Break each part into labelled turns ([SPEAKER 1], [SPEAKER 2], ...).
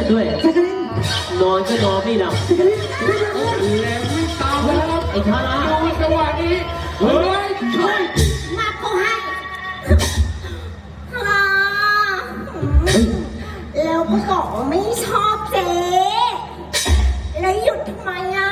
[SPEAKER 1] ด้วยนอนก็นอนไม่หลับ
[SPEAKER 2] แล้วไม่ตามไปแล้ว
[SPEAKER 1] ไอ้ท่านะ
[SPEAKER 2] จังหวะนี้เฮ้ยช่วย
[SPEAKER 3] มาเขาให้แล้วก็บอกว่าไม่ชอบเจ๊แล้วหยุดทำไมอ่ะ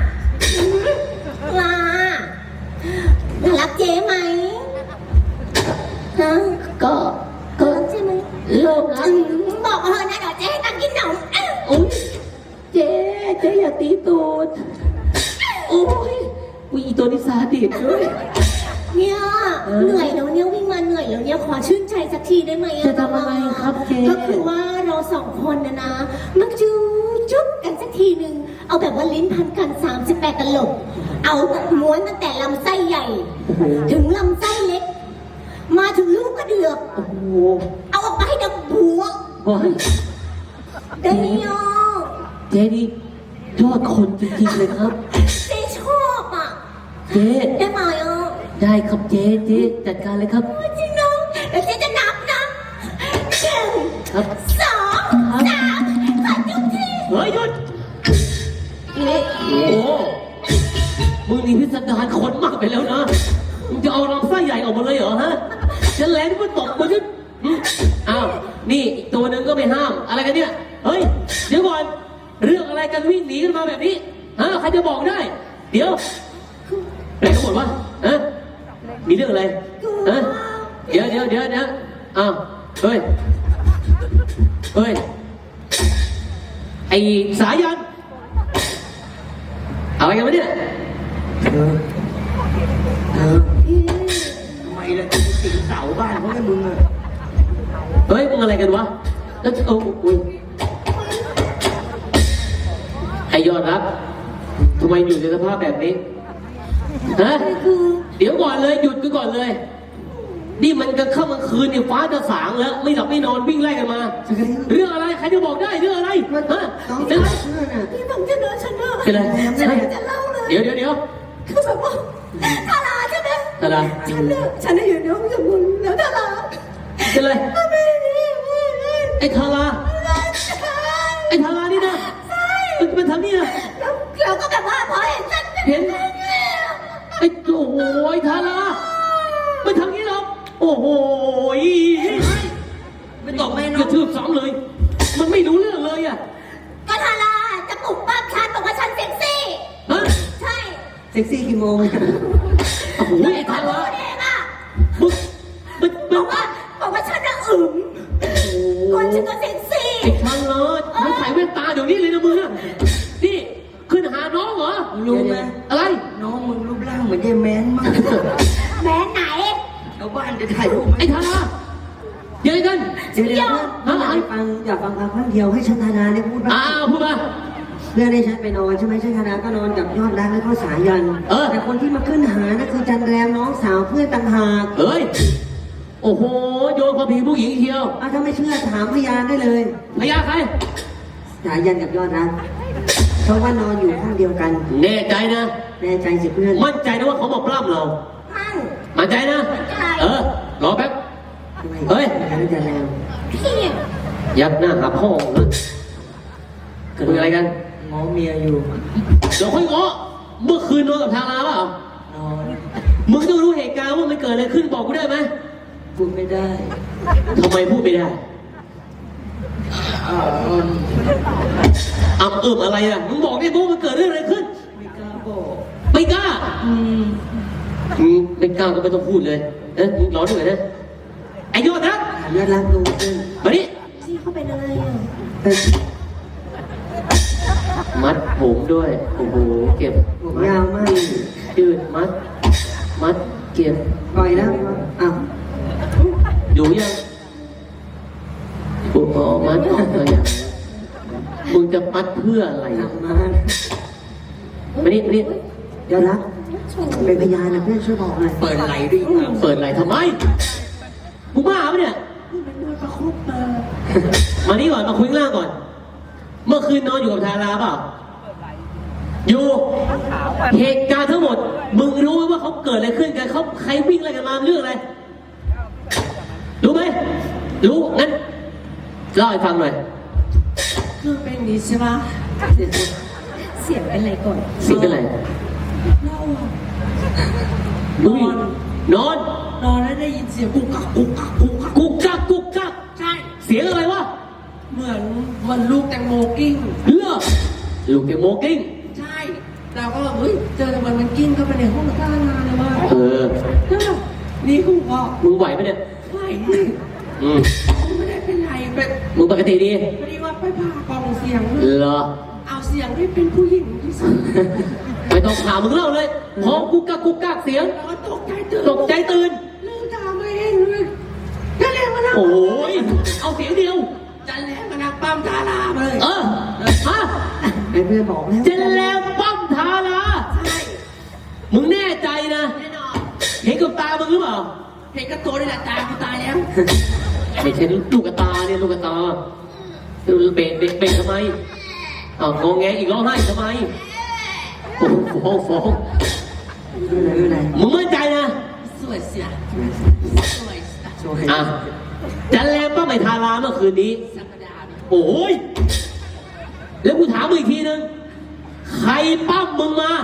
[SPEAKER 3] ลารักเจ๊ไหมฮะ
[SPEAKER 1] ก็
[SPEAKER 3] รักใช่ไหม
[SPEAKER 1] เริ่มรัก
[SPEAKER 3] บอกเธอนะเดี๋ยวเจ๊ให้ตังค์กินขนม
[SPEAKER 1] อุ้ยเจ๊อย่าตีตูดโอ้ยอีตัวนี้ซาดิสด้วย
[SPEAKER 3] เนี่ยเหนื่อยแล้วเนี่ยวิ่งมาเหนื่อยแล้วเนี่ยขอชื่นใจสักทีได้ไหม
[SPEAKER 1] จะทำอะไรครับเจ๊
[SPEAKER 3] ก็คือว่าเราสองคนนะมักจุ๊บกันสักทีหนึ่งเอาแบบว่าลิ้นพันกัน38ตลบเอาม้วนตั้งแต่ลำไส้ใหญ่ถึงลำไส้เล็กมาถึงลูกกระเดือก
[SPEAKER 1] โอ้โห
[SPEAKER 3] เอาออกไปให้ดับหัวได้ยอ
[SPEAKER 1] เจ๊นี่ยอดคนจริงๆเลยครับ
[SPEAKER 3] เจ๊ชอบอ่ะ
[SPEAKER 1] เจ๊
[SPEAKER 3] ได้ไหม
[SPEAKER 1] ได้ครับเจ๊จัดการเลยครับ
[SPEAKER 3] จริงน้องเดี๋ยวเจ๊จะนับนะ1 2 3ขอจุ๊บที
[SPEAKER 1] เฮ้ยหยุดโอ้มึงนี่พิสดารคนมากไปแล้วนะมึงจะเอาลำไส้ใหญ่ออกมาเลยเหรอฮะฉันแหลมมันตกมาฉันอ้าวนี่อีกตัวหนึ่งก็ไม่ห้ามอะไรกันเนี่ยเฮ้ยเดี๋ยวก่อนเรื่องอะไรกันวิ่งหนีกันมาแบบนี้ฮะใครจะบอกได้เดี๋ยวไหนก็หมดวะฮะมีเรื่องอะไรฮะเดี๋ยวอ้าวเฮ้ยไอ้สายันอะไรกันวะเนี่ย
[SPEAKER 2] ทำไมล่ะติดเสาบ้านเขาให้มึงอะ
[SPEAKER 1] เฮ้ยมึงอะไรกันวะแล้วอุ้ยไอยอดรักทำไมอยู่ในสภาพแบบนี้ฮะเดี๋ยวก่อนเลยหยุดก่อนเลยนี่มันกันค่ำกลางคืนเนี่ยฟ้าจะสางแล้วไม่หลับไม่นอนวิ่งไล่กันมาเรื่องอะไรใครจะบอกได้เรื่องอะไรฮะ
[SPEAKER 3] เป็นไรพี่ฟังจะเล่าฉันเนอะ
[SPEAKER 1] เป็นไร
[SPEAKER 3] จะเล่าเลย
[SPEAKER 1] เดี๋ยว
[SPEAKER 3] คือแบบว่าทาราใช่ไหม
[SPEAKER 1] ทารา
[SPEAKER 3] ฉันอยู่น้องกับมึงแล้วทารา
[SPEAKER 1] เป็นไรไอ้ทารานี่นะมันทำนี่นะ
[SPEAKER 3] เราก็แบบว่าพอเห็นฉัน
[SPEAKER 1] เห็นไอ้โอ้โหไอ้ทารามันทำนี่หรอโอ้โห
[SPEAKER 2] ไม่ตอบไม่
[SPEAKER 1] กระทืบซ้ำเลยมันไม่รู้เรื่องเลยอ่ะ
[SPEAKER 3] ก็ทาราจะปลุกปั้มฉันบอกว่าฉันเซ็กซี่
[SPEAKER 1] ฮะ
[SPEAKER 3] ใช่
[SPEAKER 2] เซ็กซี่กี่โมง
[SPEAKER 1] โอ้โหไอ้ทารา
[SPEAKER 3] บอกว่าฉันน่ะอึ๋มคนฉันก็เซ็กซี่
[SPEAKER 1] ไอ้ทาราไม่ใส่แว่นตาเดี๋ยวนี้เลยนะมึงนี่ขึ้นหาน้องเหรอ
[SPEAKER 2] รู้ไหม
[SPEAKER 1] อะไร
[SPEAKER 2] น้องมึงรูปร่างเหมือนยายแมนมาก
[SPEAKER 3] แมนไหน
[SPEAKER 2] ชาวบ้านจะถ่ายรูป
[SPEAKER 1] ไอ้ทาราเดี๋ยวกัน
[SPEAKER 2] เดี๋ยวอยากฟังครั้งเดียวให้ชันธนาได้พูดบ้าง
[SPEAKER 1] พูดมา
[SPEAKER 2] เพื่อนได้ฉันไปนอนใช่ไหมชันธนาก็นอนกับยอดรักแล้วก็สายันแต่คนที่มาขึ้นหานั่นคือจันแรมน้องสาวเพื่อนต่างหาก
[SPEAKER 1] เฮ้ยโอ้โหโยนความผิดผู้หญิงเชียว
[SPEAKER 2] ถ้าไม่เชื่อถามพยานได้เลย
[SPEAKER 1] พยานใคร
[SPEAKER 2] สายันกับยอดรักเพราะว่านอนอยู่ห้องเดียวกัน
[SPEAKER 1] แน่ใจนะ
[SPEAKER 2] แน่ใจสิเพื่อน
[SPEAKER 1] มั่นใจนะว่าเขามาปล้ำเรามั่นใจนะรอแป๊บเฮ้ย
[SPEAKER 2] จันแรม
[SPEAKER 1] ยักหน้าหาพ่อนะคุยอะไรกัน
[SPEAKER 2] ง้อเมียอยู่
[SPEAKER 1] เดี๋ยวค่อยง้อเมื่อคืนนอนกับทางลาเปล่ามึงต้องรู้เหตุการณ์ว่ามันเกิดอะไรขึ้นบอกกูได้ไหม
[SPEAKER 2] พูดไม่ได้
[SPEAKER 1] ทำไมพูดไม่ได้อะไรอ่ะมึงบอกได้บอกมันเกิดเรื่องอะไรขึ้น
[SPEAKER 2] ไม่กล้าบอก
[SPEAKER 1] ไม่กล้าไม่กล้าก็ไม่ต้องพูดเลยมึงร้อนด้วยนะไอ้ยอดนะ
[SPEAKER 2] ยอดรักดู
[SPEAKER 1] มาดิ
[SPEAKER 3] พี่เขาเป็นอะไรอ่ะ
[SPEAKER 1] มัดผมด้วยโอ้โหเก็บ
[SPEAKER 2] ผมยาวมาก
[SPEAKER 1] ยืดมัดเก็บ
[SPEAKER 2] ปล่อยแล้ว
[SPEAKER 1] อยู่ยังโอ้โหมัดออกเลยมึงจะมัดเพื่ออะไรมาดิ
[SPEAKER 2] ยอดรักเป็นพยานนะเพื่อนช่วยบอกหน่อย
[SPEAKER 1] เปิดไหลดิเปิดไหลทำไมกูบ้าปะเนี่ยมานี่ก่อนมาคุยล่างก่อนเมื่อคืนนอนอยู่กับทาราเปล่าอยู่เหตุการณ์ทั้งหมดมึงรู้ไหมว่าเขาเกิดอะไรขึ้นกันเขาใครวิ่งอะไรกันมาเรื่องอะไรรู้ไหมรู้งั้นเล่าให้ฟังหน่อย
[SPEAKER 4] คือเป็นอย่างนี้ใช่ปะ
[SPEAKER 3] เสียงเป็นไรก่อน
[SPEAKER 1] เสียงเป็นไร
[SPEAKER 4] เราอะ
[SPEAKER 1] อุ้ยนอน
[SPEAKER 4] นอนแล้วได้ยินเสียงกุกกักกุกกักกุกกัก
[SPEAKER 1] กุกกักกุกกัก
[SPEAKER 4] ใช่
[SPEAKER 1] เสียงอะไรวะ
[SPEAKER 4] เหมือนลูกแตงโมกิ้ง
[SPEAKER 1] เลือลูกแกโมกิ้ง
[SPEAKER 4] ใช่เราก็แบบเฮ้ยเจอทำไมมันกิ้งเข้าไปในห้องกระานานเลยว่า
[SPEAKER 1] เออ
[SPEAKER 4] นี่กูก็
[SPEAKER 1] มึงไหวปะเนี่ย
[SPEAKER 4] ไหว
[SPEAKER 1] อืม
[SPEAKER 4] ไม่ได้เป็นไรเป็น
[SPEAKER 1] มึงปกติดี
[SPEAKER 4] พอดีว่าไปผ่ากล่องเสียง
[SPEAKER 1] เหรอ
[SPEAKER 4] เอาเสียงให้เป็นผู้หญิงที่สุด
[SPEAKER 1] ไม่ต้องถามมึงเล่าเลยพอกุกกักกุกกักเสียง
[SPEAKER 4] แล้วก็ตกใจตื่น
[SPEAKER 1] ตกใจตื่น
[SPEAKER 4] ลืมตาไม่เห็นเลยจะเรียกมานะ
[SPEAKER 1] โอ้ยเอาเสียงเดียว
[SPEAKER 4] จะเรียกมานะปั๊มดารามาเลย
[SPEAKER 1] เออฮะ
[SPEAKER 2] ไอ้เพื่อนบอกแล้ว
[SPEAKER 1] เจนแล้วปั้มทารา
[SPEAKER 4] ใช่
[SPEAKER 1] มึงแน่ใจนะ
[SPEAKER 4] แน่นอน
[SPEAKER 1] เห็นกับตามึงหรือเปล่า
[SPEAKER 4] เห็นกระตัวนี่แหละตากูตายแล้ว
[SPEAKER 1] ไม่ใช่ลูกกระตาเนี่ยลูกกระตาเบนทำไมอ้าวงงแงอีกร้องไห้ทำไมโอ้โหฟ้อง
[SPEAKER 2] ไม่เป็นไร
[SPEAKER 1] มึงมั่นใจนะ
[SPEAKER 4] สวยเสียสวยเสีย
[SPEAKER 2] ช่วย
[SPEAKER 1] อ่ะจันแรมป้าไม่ทาราเมื่อคืนนี้
[SPEAKER 4] สัปดาห์นี้
[SPEAKER 1] โอ้ยแล้วกูถามมึงอีกทีนึงใครปั้มมึงมา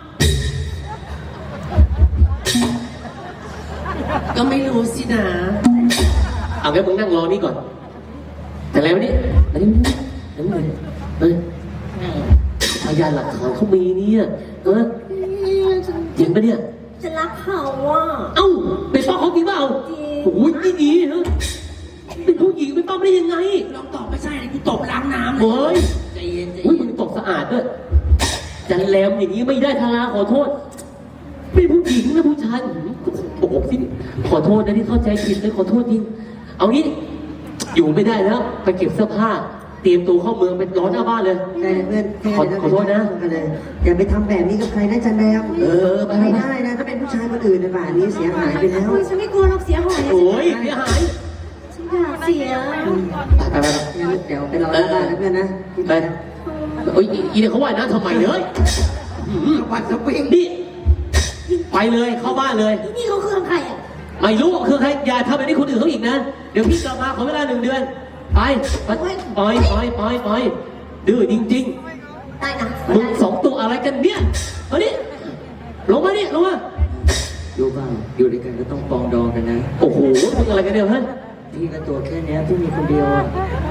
[SPEAKER 4] ก็ไม่รู้สินะ
[SPEAKER 1] เอางั้นมึงนั่งรอนี่ก่อนแต่แล้วนี่อันนี้อันนี้เฮ้ยพยานหลักฐานเขามีเนี่ยเออจริงปะเนี่ย
[SPEAKER 3] จะรักเขาอ่ะ
[SPEAKER 1] เอ้าเป็นป้าเขาจริงเปล่า
[SPEAKER 3] จริง
[SPEAKER 1] โอ้ยนี่ดีเนอะเป็นผู้หญิงเป็นป้าได้ยังไง
[SPEAKER 4] ลองตอบไม่ใช่เลยกูตบล้างน้ำเล
[SPEAKER 1] โอ้ย
[SPEAKER 4] ใจเย็นใจ
[SPEAKER 1] อุ้ย
[SPEAKER 4] เย็
[SPEAKER 1] มึ
[SPEAKER 4] น
[SPEAKER 1] งตกสะอาดด้วยจันแรมอย่างนี้ไม่ได้ทาราขอโทษเป็นผู้หญิงนะผู้ชายโอ้โหที่ขอโทษนะที่เข้าใจผิดเลยขอโทษจริงเอางี้อยู่ไม่ได้แล้วไปเก็บเสื้อผ้า เตรียมตัวเข้าเมืองไปร้อนหน้าบ้านเลย
[SPEAKER 2] แต่เพื่อน
[SPEAKER 1] ขอโทษนะ
[SPEAKER 2] อย่าไปทำแบบนี้กับใครนะจันแรม
[SPEAKER 1] เออไป
[SPEAKER 2] ไม่ได้นะถ้าเป็นผู้ชายคนอื่นในป่านนี้เสียหายไปแล้ว
[SPEAKER 3] ฉันไม่กลัวหรอกเสียหาย
[SPEAKER 1] โอ้ยเสียหาย
[SPEAKER 3] ฉันอยากเสีย
[SPEAKER 1] ไป
[SPEAKER 2] เดี๋ยวไปรอหน้าบ้านนะเพื่อนนะ
[SPEAKER 1] ไปโอ้ยอีเนี่ยเขาว่านะทำไมเลย
[SPEAKER 2] วัดสปริง
[SPEAKER 1] นี่ไปเลยเข้าบ้านเลย
[SPEAKER 3] ที่นี่เขาคือใครอ่ะ
[SPEAKER 1] ไม่รู้คือใครอย่าทำแบบนี้คนอื่นเขาอีกนะ เดี๋ยวพี่กลับมาขอเวลา1 เดือน ไปไปดื้อจริง
[SPEAKER 3] ได้นะ
[SPEAKER 1] ๆ มึง2 ตัวอะไรกันเนี่ยมาดิลงมาดิลงมา
[SPEAKER 2] รู้บ้างอยู่ด้วยกันก็ต้องปองดองกันนะ
[SPEAKER 1] โอ้โหมึงอะไรกันเนี่ยฮะ
[SPEAKER 2] พี่ก็ตัวแค่เนี้ยพี่มีคนเดียวอะ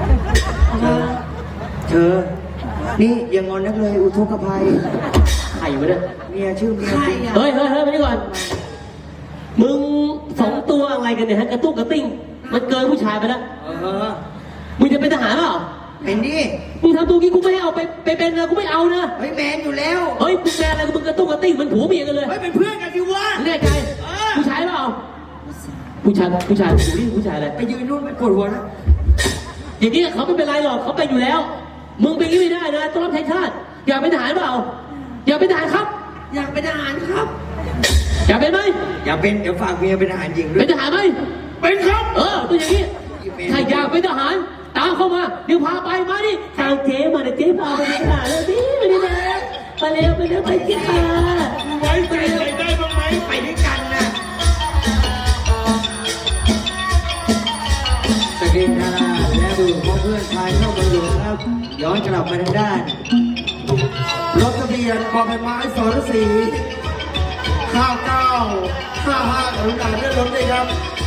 [SPEAKER 2] เธอ นี่อย่างงอนนักเลยอุทกภัย
[SPEAKER 1] ใครวะเนี่ย
[SPEAKER 2] เมียชื่อเมีย
[SPEAKER 4] ใคร
[SPEAKER 2] จริง
[SPEAKER 4] อ่ะ
[SPEAKER 1] เฮ้ยมานี่ก่อน มึง2 ตัวอะไรกันเนี่ยฮะกระตุ้งกระติ้ง มันเกินผู้ชายไปแล้ว มึงจะเป็นทหารเปล่า
[SPEAKER 2] เป็นดิ
[SPEAKER 1] มึงทำตัวกี้กูไม่ให้เอาไปเป็นนะกูไม่เอานะ
[SPEAKER 2] เฮ้ยแมนอยู่แล้ว
[SPEAKER 1] เฮ้ยมึงแม่อะไรมึงกระตุ้งกระติ้งมันผัวเมียกันเลย
[SPEAKER 2] เฮ้ยเป็นเพื่อนกันสิวะ
[SPEAKER 1] แน่ใจผู้ชายเปล่าผู้ชายดูนี่ผู้ชายอะไร
[SPEAKER 2] ไปยืนนู่นไปปวดหัวนะ
[SPEAKER 1] อย่างนี้เขาไม่เป็นไรหรอกเขาเป็นอยู่แล้ว มึงเป็นอย่างนี้ไม่ได้นะต้องรับใช้ชาติอยากเป็นทหารเปล่าอยากเป็นทหารครับ
[SPEAKER 4] อยากเป็นทหารครับ
[SPEAKER 1] อยากเป็นไหม
[SPEAKER 2] อย่าเป็นเดี๋ยวฝากเมียเป็นทหารหญิงด้ว
[SPEAKER 1] เป็
[SPEAKER 2] ย
[SPEAKER 1] นทหารไหมเป็นครับตัวอย่างนี้ถ้าอยากเป็นทหารตามเข้ามาเดี๋ยวพาไปมาดิทางเจ๊มาเดี๋ยวเจ๊พาไปเป็นทหารแล้วดิไปดินะไปเร็วไปเจ๊พา
[SPEAKER 2] ไว้ใจใครได้บ้างไหมไปด้วยกันนะสกินทาราและดูพ่อเพื่อนชายเข้ามาอยู่ครับ ย้อนกลับมาทางด้าน
[SPEAKER 5] รถทะเบียนบอใบไม้สรศรี5955กรุณาเลื่อนรถด้วยครับ